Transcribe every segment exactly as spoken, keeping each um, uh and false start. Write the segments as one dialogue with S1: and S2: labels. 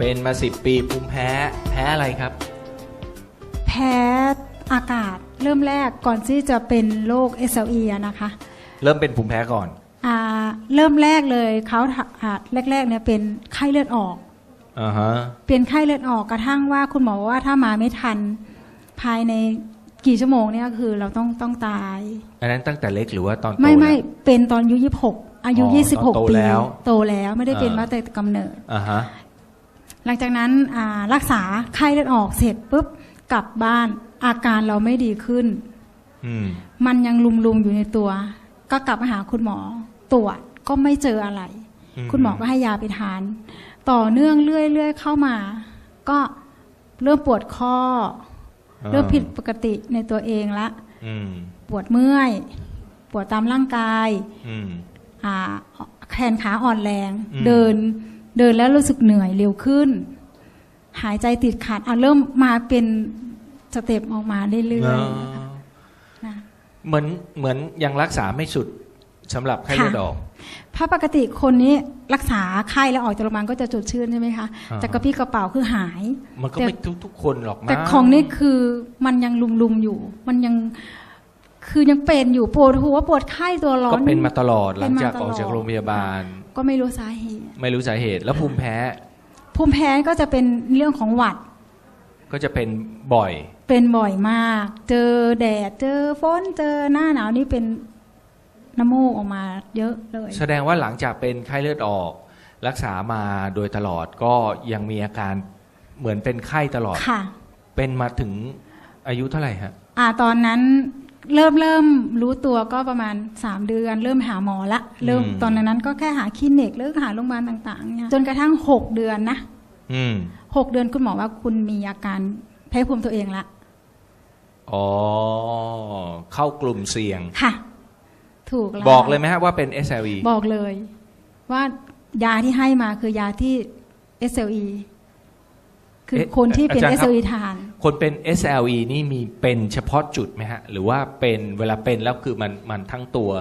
S1: เป็นมาสิบปีภูมิแพ้แพ้อะไรครับ
S2: แพ้อากาศเริ่มแรกก่อนที่จะเป็นโรค เอส แอล อี อะนะคะ
S1: เริ่มเป็นภูมิแพ้ก่อน
S2: อ่าเริ่มแรกเลยเขาแรกๆเนี่ยเป็นไข้เลือดออก
S1: อ่าฮะ
S2: เป็นไข้เลือดออกกระทั่งว่าคุณหมอว่าถ้ามาไม่ทันภายในกี่ชั่วโมงเนี่ยคือเราต้องต้องตาย
S1: อันนั้นตั้งแต่เล็กหรือว่าตอนโต
S2: ไม่ไม่เป็นตอนอายุยี่สิบหกอายุยี่สิบหกปีโตแล้วไม่ได้เป็นมาแต่กำเนิด
S1: อ่าฮะ
S2: หลังจากนั้นรักษาไข้เลือดออกเสร็จปุ๊บกลับบ้านอาการเราไม่ดีขึ้นมันยังลุมๆอยู่ในตัวก็กลับมาหาคุณหมอตรวจก็ไม่เจออะไรคุณหมอก็ให้ยาไปทานต่อเนื่องเรื่อยๆเข้ามาก็เริ่มปวดข้อเริ่มผิดปกติในตัวเองละปวดเมื่อยปวดตามร่างกายแขนขาอ่อนแรงเดินเดินแล้วรู้สึกเหนื่อยเร็วขึ้นหายใจติดขัดเอาเริ่มมาเป็นสเต็ปออกมาเรื่อยๆนะ
S1: เหมือนเหมือนยังรักษาไม่สุดสำหรับไข้เลือดออก
S2: เพราะปกติคนนี้รักษาไข้แล้วออกจากโรงพยาบาลก็จะจดชื่นใช่ไหมคะแต่กระปี้กระเป๋าคือหาย
S1: มันก็ไม่ทุกทุกคนหรอกนะ
S2: แต่ของนี่คือมันยังลุมๆอยู่มันยังคือยังเป็นอยู่ปวดหัวปวดไข้ตัวร้อน
S1: ก็เป็นมาตลอดหลังจากออกจากโรงพยาบาล
S2: ก็ไม่รู้สาเหตุ
S1: ไม่รู้สาเหตุแล้วภูมิแพ้
S2: ภูมิแพ้ก็จะเป็นเรื่องของหวัด
S1: ก็จะเป็นบ่อย
S2: เป็นบ่อยมากเจอแดดเจอฝนเจอหน้าหนาวนี่เป็นน้ำมูกออกมาเยอะเลย
S1: แสดงว่าหลังจากเป็นไข้เลือดออกรักษามาโดยตลอดก็ยังมีอาการเหมือนเป็นไข้ตลอด
S2: ค่ะ
S1: เป็นมาถึงอายุเท่าไหร่ฮะ
S2: อ่าตอนนั้นเริ่มเริ่มรู้ตัวก็ประมาณสามเดือนเริ่มหาหมอละเริ่มตอนนั้นก็แค่หาคลินิกหรือหาโรงพยาบาลต่างๆเนี่ยจนกระทั่งหกเดือนนะหกเดือนคุณหมอว่าคุณมีอาการแพ้ภูมิตัวเองละ
S1: อ๋อเข้ากลุ่มเสี่ยง
S2: ค่ะถูกแล้ว
S1: บอกเลยไหมฮะว่าเป็น เอส แอล อี
S2: บอกเลยว่ายาที่ให้มาคือยาที่ เอส แอล อี คือคนที่เป็น เอส แอล อี ทาน
S1: คนเป็น เอส แอล อี นี่มีเป็นเฉพาะจุดไหมฮะหรือว่าเป็นเวลาเป็นแล้วคือมันมันทั้งตัว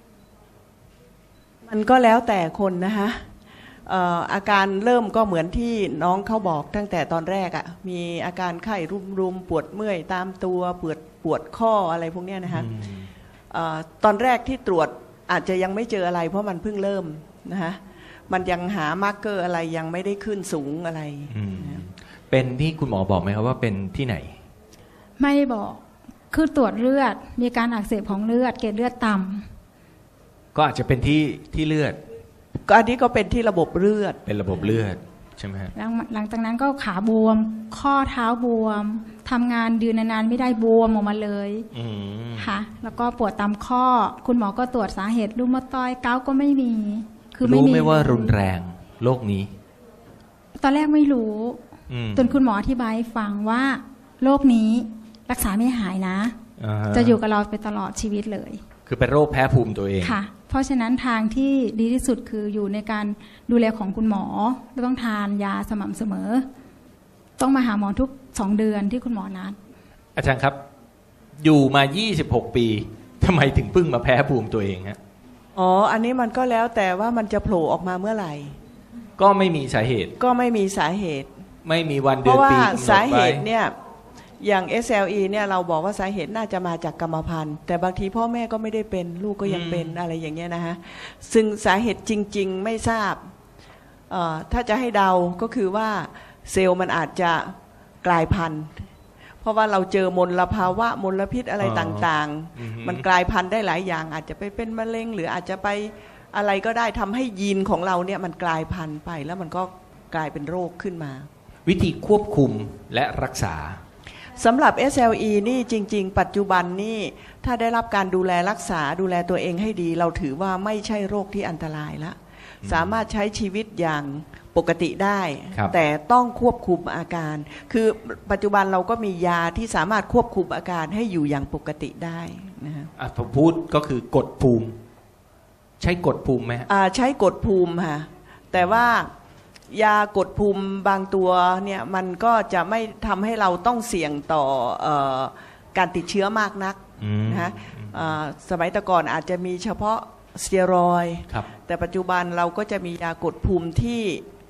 S3: มันก็แล้วแต่คนนะคะอาการเริ่มก็เหมือนที่น้องเขาบอกตั้งแต่ตอนแรกอะ่ะมีอาการไข้รุมๆปวดเมื่อยตามตัวปวดปวดข้ออะไรพวกนี้นะคะตอนแรกที่ตรวจอาจจะยังไม่เจออะไรเพราะมันเพิ่งเริ่มนะคะมันยังหามาร์กเกอร์อะไรยังไม่ได้ขึ้นสูงอะไร
S1: เป็นที่คุณหมอบอกไหมครับว่าเป็นที่ไหน
S2: ไม่บอกคือตรวจเลือดมีการอักเสบของเลือดเกล็ดเลือดต่
S1: ำก็อาจจะเป็นที่ที่เลือด
S3: ก็อันนี้ก็เป็นที่ระบบเลือด
S1: เป็นระบบเลือดใช่ไหมฮะ
S2: หลังจากนั้นก็ขาบวมข้อเท้าบวมทำงานยืนนานๆไม่ได้บวมออกมาเลยค่ะแล้วก็ปวดตามข้อคุณหมอก็ตรวจสาเหตุรูมาตอยเกาก็ไม่มี
S1: คือไม่มีรู้ไหมว่ารุนแรงโรคนี้
S2: ตอนแรกไม่รู้จนคุณหมออธิบายให้ฟังว่าโรคนี้รักษาไม่หายนะจะอยู่กับเราไปตลอดชีวิตเลย
S1: คือเป็นโรคแพ้ภูมิตัวเอง
S2: ค่ะเพราะฉะนั้นทางที่ดีที่สุดคืออยู่ในการดูแลของคุณหมอต้องทานยาสม่ำเสมอต้องมาหาหมอทุกสองเดือนที่คุณหมอนัด
S1: อาจารย์ครับอยู่มายี่สิบหกปีทำไมถึงเพิ่งมาแพ้ภูมิตัวเองฮะ
S3: อ๋ออันนี้มันก็แล้วแต่ว่ามันจะโผล่ออกมาเมื่อไหร่
S1: ก็ไม่มีสาเหตุ
S3: ก็ไม่มีสาเหตุ
S1: ไม่มีวันเดือนปี
S3: เพราะว่าสาเหตุเนี่ยอย่าง เอส แอล อี เนี่ยเราบอกว่าสาเหตุน่าจะมาจากกรรมพันธุ์แต่บางทีพ่อแม่ก็ไม่ได้เป็นลูกก็ยังเป็นอะไรอย่างเงี้ยนะฮะซึ่งสาเหตุจริงๆไม่ทราบถ้าจะให้เดาก็คือว่าเซลล์มันอาจจะกลายพันธุ์เพราะว่าเราเจอมลภาวะมลพิษอะไรต่างๆมันกลายพันธุ์ได้หลายอย่างอาจจะไปเป็นมะเร็งหรืออาจจะไปอะไรก็ได้ทำให้ยีนของเราเนี่ยมันกลายพันธุ์ไปแล้วมันก็กลายเป็นโรคขึ้นมา
S1: วิธีควบคุมและรักษา
S3: สำหรับ เอส แอล อี นี่จริงๆปัจจุบันนี่ถ้าได้รับการดูแลรักษาดูแลตัวเองให้ดีเราถือว่าไม่ใช่โรคที่อันตรายละสามารถใช้ชีวิตอย่างปกติได้แต่ต้องควบคุมอาการคือปัจจุบันเราก็มียาที่สามารถควบคุมอาการให้อยู่อย่างปกติได้นะฮะ
S1: อ่ะผมพูดก็คือกดภูมิใช้กดภูมิไหม
S3: อ่าใช้กดภูมิค่ะแต่ว่ายากดภูมิบางตัวเนี่ยมันก็จะไม่ทำให้เราต้องเสี่ยงต่อเอ่อการติดเชื้อมากนักนะฮะสมัยแต่ก่อนอาจจะมีเฉพาะสเตียรอยด์แต่ปัจจุบันเราก็จะมียากดภูมิที่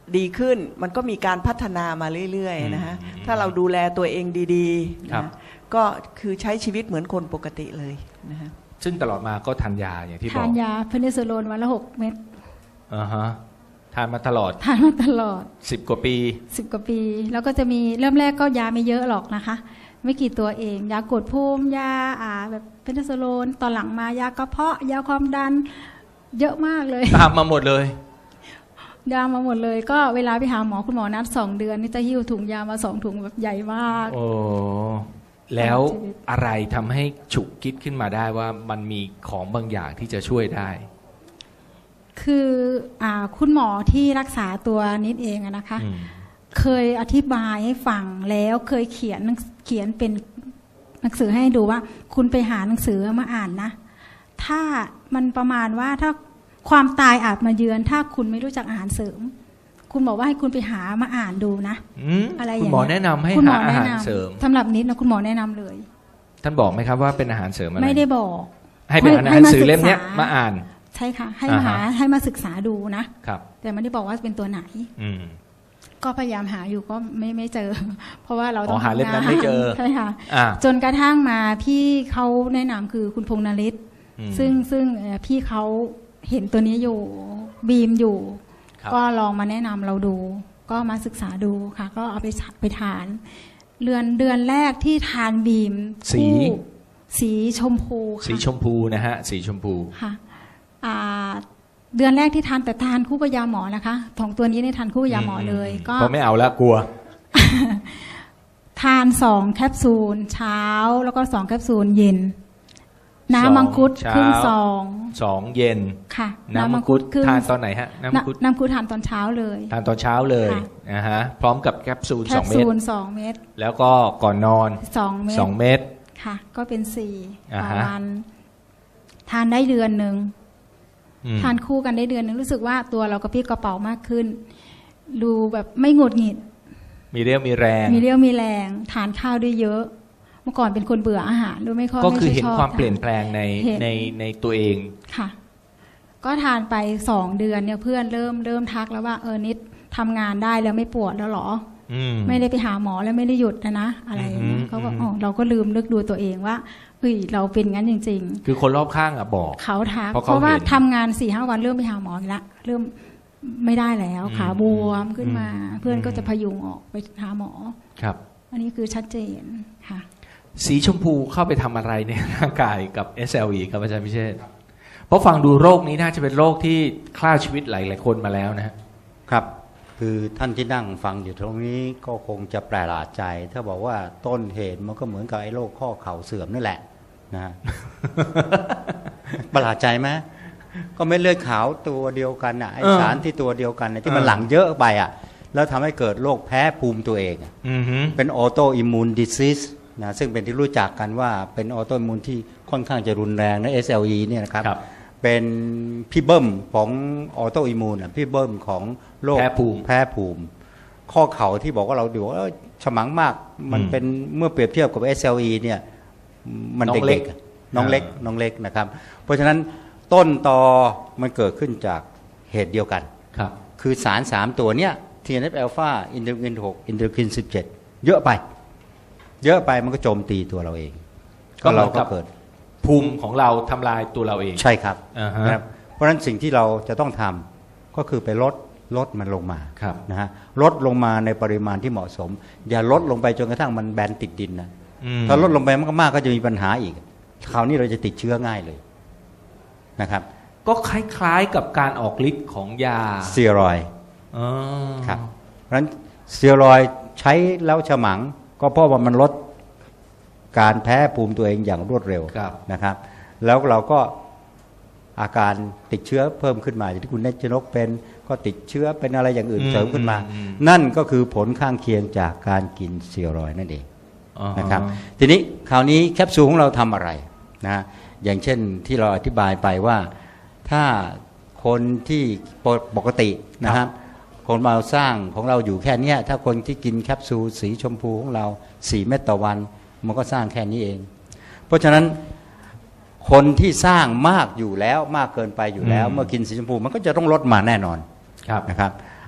S3: ดีขึ้นมันก็มีการพัฒนามาเรื่อยๆนะฮะถ้าเราดูแลตัวเองดีๆนะก็คือใช้ชีวิตเหมือนคนปกติเลยนะฮะ
S1: ซึ่งตลอดมาก็ทานยาอย่างที่บอก
S2: ทานยาเพนิซิลลินวันละหกเม็ด
S1: อ่าฮะทานมาตลอด
S2: ทานมาตลอด
S1: สิบกว่าปี
S2: สิบกว่าปีแล้วก็จะมีเริ่มแรกก็ยาไม่เยอะหรอกนะคะไม่กี่ตัวเองยากดภูมิยาอ่าแบบเพนิซิลลินตอนหลังมายากระเพาะยาความดันเยอะมากเลย
S1: ตามมาหมดเลย
S2: ยามาหมดเลยก็เวลาไปหาหมอคุณหมอนัดสองเดือนนี่จะหิ้วถุงยามาสองถุงแบบใหญ่มาก
S1: โอ้แล้วอะไรทำให้ฉุกคิดขึ้นมาได้ว่ามันมีของบางอย่างที่จะช่วยได้
S2: คืออ่าคุณหมอที่รักษาตัวนิดเองนะคะเคยอธิบายให้ฟังแล้วเคยเขียนเขียนเป็นหนังสือให้ดูว่าคุณไปหาหนังสือมาอ่านนะถ้ามันประมาณว่าถ้าความตายอาจมาเยือนถ้าคุณไม่รู้จักอาหารเสริมคุณบอกว่าให้คุณไปหามาอ่านดูนะอะไรอย่างเงี้ย
S1: คุณหมอแนะนำให้หาอาหารเสริม
S2: สำหรับนิดนะคุณหมอแนะนำเลย
S1: ท่านบอกไหมครับว่าเป็นอาหารเสริมอะไร
S2: ไม่ได้บอก
S1: ให้เป็นอาหารเสริมเล่มนี้มาอ่าน
S2: ใช่ค่ะให้มาหาให้มาศึกษาดูนะครับแต่ไม่ได้บอกว่าเป็นตัวไหนก็พยายามหาอยู่ก็ไม่ไม่เจอเพราะว่าเราต้อง
S1: หาเล่มนั้นไม่เจอ
S2: ใช่ค่ะจนกระทั่งมาพี่เขาแนะนำคือคุณพงษ์นฤทธิ์ซึ่งซึ่งพี่เขาเห็นตัวนี้อยู่บีมอยู่ก็ลองมาแนะนำเราดูก็มาศึกษาดูค่ะก็เอาไปไปทานเดือนเดือนแรกที่ทานบีม
S1: สี
S2: สีชมพู
S1: สีชมพูนะฮะสีชมพู
S2: ค่ะเดือนแรกที่ทานแต่ทานคู่กับยาหมอนะคะของตัวนี้เนี่ยทานคู่กับยาหมอเลย
S1: ก็ไม่เอาละกลัว
S2: ทานสองแคปซูลเช้าแล้วก็สองแคปซูลเย็นน้ำมังคุดครึ่งซอง
S1: สองเย็น
S2: ค่ะ
S1: น้ำมังคุดทานตอนไหนฮะน้ำมังคุด
S2: น้ำมังคุดทานตอนเช้าเลย
S1: ทานตอนเช้าเลยนะฮะพร้อมกับแคปซูลสองเม็ดแคปซูล
S2: สองเม็ด
S1: แล้วก็ก่อนนอน
S2: สองเม็ด
S1: สองเม็ด
S2: ค่ะก็เป็นสี่ต่อวันทานได้เดือนหนึ่งทานคู่กันได้เดือนหนึ่งรู้สึกว่าตัวเรากระปรี้กระเป๋ามากขึ้นดูแบบไม่หงุดหงิด
S1: มีเรี่ยวมีแรง
S2: มีเรี่ยวมีแรงทานข้าวได้เยอะเมื่อก่อนเป็นคนเบื่ออาหารด้วยไม่ค่อย
S1: ก็คือเห็นความเปลี่ยนแปลงในในในตัวเอง
S2: ค่ะก็ทานไปสองเดือนเนี่ยเพื่อนเริ่มเริ่มทักแล้วว่าเออนิดทำงานได้แล้วไม่ปวดแล้วหรอไม่ได้ไปหาหมอแล้วไม่ได้หยุดนะนะอะไรอย่างเงี้ยเขาก็อ๋อเราก็ลืมนึกดูตัวเองว่าเฮ้ยเราเป็นงั้นจริง
S1: ๆคือคนรอบข้างอ่ะบอก
S2: เขาทักเพราะว่าทำงานสี่ห้าวันเริ่มไปหาหมออีกละเริ่มไม่ได้แล้วขาบวมขึ้นมาเพื่อนก็จะพยุงออกไปหาหมอ
S1: ครับ
S2: อันนี้คือชัดเจนค่ะ
S1: สีชมพูเข้าไปทำอะไรในร่างกายกับ เอส แอล อี ครับอาจารย์พิเชษฐ์เพราะฟังดูโรคนี้น่าจะเป็นโรคที่ฆ่าชีวิตหลายๆคนมาแล้วนะครับ
S4: คือท่านที่นั่งฟังอยู่ตรงนี้ก็คงจะแปลกประหลาดใจถ้าบอกว่าต้นเหตุมันก็เหมือนกับไอ้โรคข้อเข่าเสื่อมนั่นแหละนะ ประหลาดใจไหมก็ไม่เลือดขาวตัวเดียวกันอ่ะไอสารที่ตัวเดียวกันที่มันหลั่งเยอะไปอ่ะแล้วทำให้เกิดโรคแพ้ภูมิตัวเองเป็นออโตอิมมูนดิซิสนะซึ่งเป็นที่รู้จักกันว่าเป็นออโตอิมมูนที่ค่อนข้างจะรุนแรงนะ เอส แอล อี เนี่ยนะครับเป็นพี่เบิ้มของออโตอิมมูนอ่ะพี่เบิ้มของโรค
S1: แพ้ภูมิ
S4: แพ้ภูมิข้อเข่าที่บอกว่าเราดูว่าฉมังมากมันเป็นเมื่อเปรียบเทียบกับ เอส แอล อี เนี่ยมันเด็กๆน้องเล็กน้องเล็กนะครับเพราะฉะนั้นต้นตอมันเกิดขึ้นจากเหตุเดียวกัน
S1: ครับ
S4: คือสารสามตัวเนี้ย ที เอ็น เอฟ อัลฟา อินเทอร์คินหกอินเทอร์คินสิบเจ็ดเยอะไปเยอะไปมันก็โจมตีตัวเราเอง
S1: ก็เราก็เกิดภูมิของเราทำลายตัวเราเอง
S4: ใช่ครับนะครับเพราะฉะนั้นสิ่งที่เราจะต้องทำก็คือไปลดลดมันลงมานะฮะลดลงมาในปริมาณที่เหมาะสมอย่าลดลงไปจนกระทั่งมันแบนติดดินนะถ้าลดลงไปมากๆก็จะมีปัญหาอีกคราวนี้เราจะติดเชื้อง่ายเลยนะครับ
S1: ก็คล้ายๆกับการออกฤทธิ์ของยา
S4: สเตียรอยด์ครับเพราะฉะนั้นสเตียรอยด์ใช้แล้วฉมังก็เพราะว่ามันลดการแพ้ภูมิตัวเองอย่างรวดเร็วนะครับแล้วเราก็อาการติดเชื้อเพิ่มขึ้นมาอย่างที่คุณเนชนกเป็นก็ติดเชื้อเป็นอะไรอย่างอื่นเสริมขึ้นมานั่นก็คือผลข้างเคียงจากการกินสเตียรอยด์นั่นเองนะครับทีนี้คราวนี้แคปซูลของเราทำอะไรนะอย่างเช่นที่เราอธิบายไปว่าถ้าคนที่ปกตินะครับคนเราสร้างของเราอยู่แค่นี้ถ้าคนที่กินแคปซูลสีชมพูของเราสี่เม็ดต่อวันมันก็สร้างแค่นี้เองเพราะฉะนั้นคนที่สร้างมากอยู่แล้วมากเกินไปอยู่แล้วเมื่อกินสีชมพูมันก็จะต้องลดมาแน่นอนนะครับ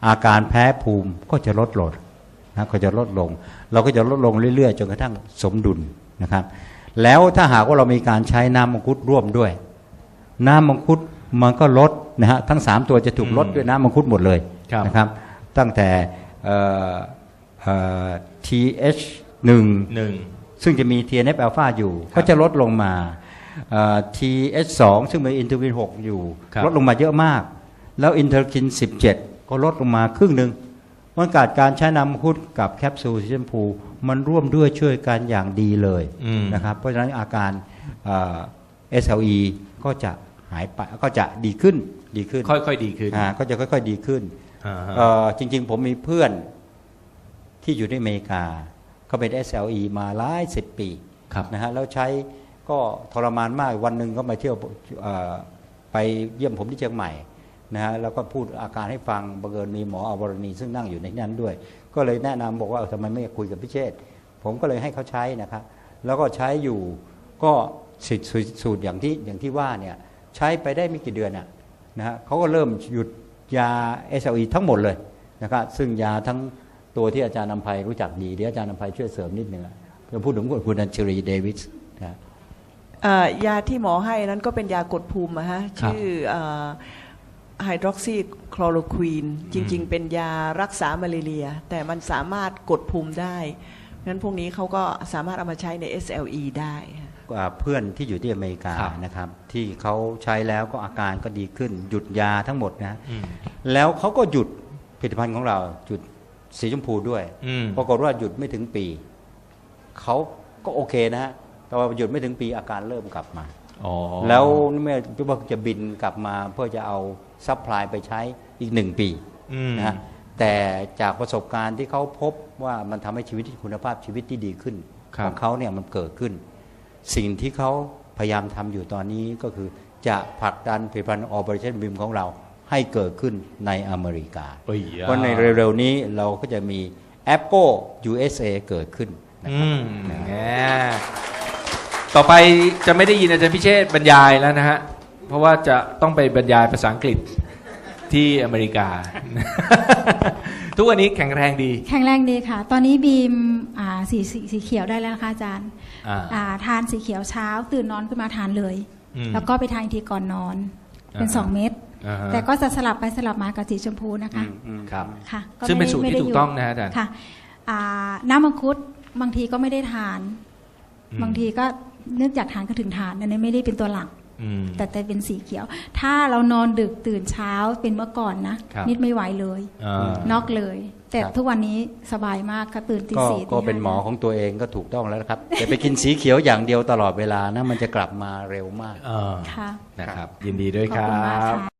S4: อาการแพ้ภูมิก็จะลดลงนะก็จะลดลงเราก็จะลดลงเรื่อยๆจนกระทั่งสมดุลนะครับแล้วถ้าหากว่าเรามีการใช้น้ำมังคุดร่วมด้วยน้ำมังคุดมันก็ลดนะฮะทั้งสามตัวจะถูกลดด้วยน้ำมังคุดหมดเลยนะครับตั้งแต่เอ่อเอ่อ ที เอช หนึ่ง
S1: หนึ่ง
S4: ซึ่งจะมี ที เอ็น เอฟ อ ลฟา อยู่ก็จะลดลงมา ที เอช สอง ซึ่งมีอินเทอร์คินหกอยู่ลดลงมาเยอะมากแล้วอินเทอร์คินสิบเจ็ดก็ลดลงมาครึ่งหนึ่งมันการการใช้น้ำมังคุดกับแคปซูลสีชมพูมันร่วมด้วยช่วยกันอย่างดีเลยนะครับเพราะฉะนั้นอาการเอ่อ เอส แอล อี ก็จะหายไปก็จะดีขึ้นดีขึ้น
S1: ค่อยๆดีขึ้น
S4: อ่าก็จะค่อยๆดีขึ้นเอ่อจริงๆผมมีเพื่อนที่อยู่ในอเมริกาเขาเป็น เอส แอล อี มาหลายสิบปีนะฮะแล้วใช้ก็ทรมานมากวันหนึ่งก็มาเที่ยวไปเยี่ยมผมที่เชียงใหม่นะฮะแล้วก็พูดอาการให้ฟังบังเอิญมีหมออวรณีซึ่งนั่งอยู่ในนั้นด้วยก็เลยแนะนำบอกว่าทำไมไม่คุยกับพี่เชษฐ์ผมก็เลยให้เขาใช้นะครับแล้วก็ใช้อยู่ก็สูตรอย่างที่อย่างที่ว่าเนี่ยใช้ไปได้ไม่กี่เดือนน่ะนะฮะเขาก็เริ่มหยุดยา เอส แอล อี ทั้งหมดเลยนะครับซึ่งยาทั้งตัวที่อาจารย์นำไพรู้จักดีเดี๋ยวอาจารย์นำไพช่วยเสริมนิดนึงจะพูดถึงคุณอัญชลีเดวิสนะ
S3: ยาที่หมอให้นั้นก็เป็นยากดภูมินะฮะชื่อไฮดรอกซีคลอโรควีนจริงๆเป็นยารักษามาลาเรียแต่มันสามารถกดภูมิได้งั้นพวกนี้เขาก็สามารถเอามาใช้ใน เอส แอล อี ได้
S4: เพื่อนที่อยู่ที่อเมริกานะครับที่เขาใช้แล้วก็อาการก็ดีขึ้นหยุดยาทั้งหมดนะแล้วเขาก็หยุดผลิตภัณฑ์ของเราหยุดสีชมพูด้วยปรากฏว่าหยุดไม่ถึงปีเขาก็โอเคนะฮะแต่ว่าหยุดไม่ถึงปีอาการเริ่มกลับมาแล้วเมื่อว่าจะบินกลับมาเพื่อจะเอาซัพพลายไปใช้อีกหนึ่งปีนะฮะแต่จากประสบการณ์ที่เขาพบว่ามันทำให้ชีวิตคุณภาพชีวิตที่ดีขึ้นของเขาเนี่ยมันเกิดขึ้นสิ่งที่เขาพยายามทำอยู่ตอนนี้ก็คือจะผลักดันผลิตภัณฑ์ Operationบี ไอ เอ็ม ของเราให้เกิดขึ้นในอเมริกาเพราะในเร็วๆนี้เราก็จะมี Apple ยู เอส เอ เกิดขึ้นนะครับ
S1: ต่อไปจะไม่ได้ยินอาจารย์พิเชษฐ์บรรยายแล้วนะฮะเพราะว่าจะต้องไปบรรยายภาษาอังกฤษที่อเมริกา ทุกวันนี้แข็งแรงดี
S2: แข็งแรงดีค่ะตอนนี้บีมสีสีเขียวได้แล้วนะคะอาจารย์ทานสีเขียวเช้าตื่นนอนขึ้นมาทานเลยแล้วก็ไปทานทีก่อนนอนเป็นสองเม็ดแต่ก็จะสลับไปสลับมากับสีชมพูนะคะ
S1: ครับค่ะซึ่งเป็นสูตรที่ถูกต้องนะอาจารย์
S2: ค่ะน้ำมังคุดบางทีก็ไม่ได้ทานบางทีก็นึกอยากทานก็ถึงทานอันนี้ไม่ได้เป็นตัวหลักแต่แต่เป็นสีเขียวถ้าเรานอนดึกตื่นเช้าเป็นเมื่อก่อนนะนิดไม่ไหวเลยน็อกเลยแต่ทุกวันนี้สบายมากค่ะตื่นตีสี่
S4: ก็เป็นหมอของตัวเองก็ถูกต้องแล้วครับแต่ไปกินสีเขียวอย่างเดียวตลอดเวลานะมันจะกลับมาเร็วมาก
S2: ค่ะ
S1: นะครับยินดีด้วยครับ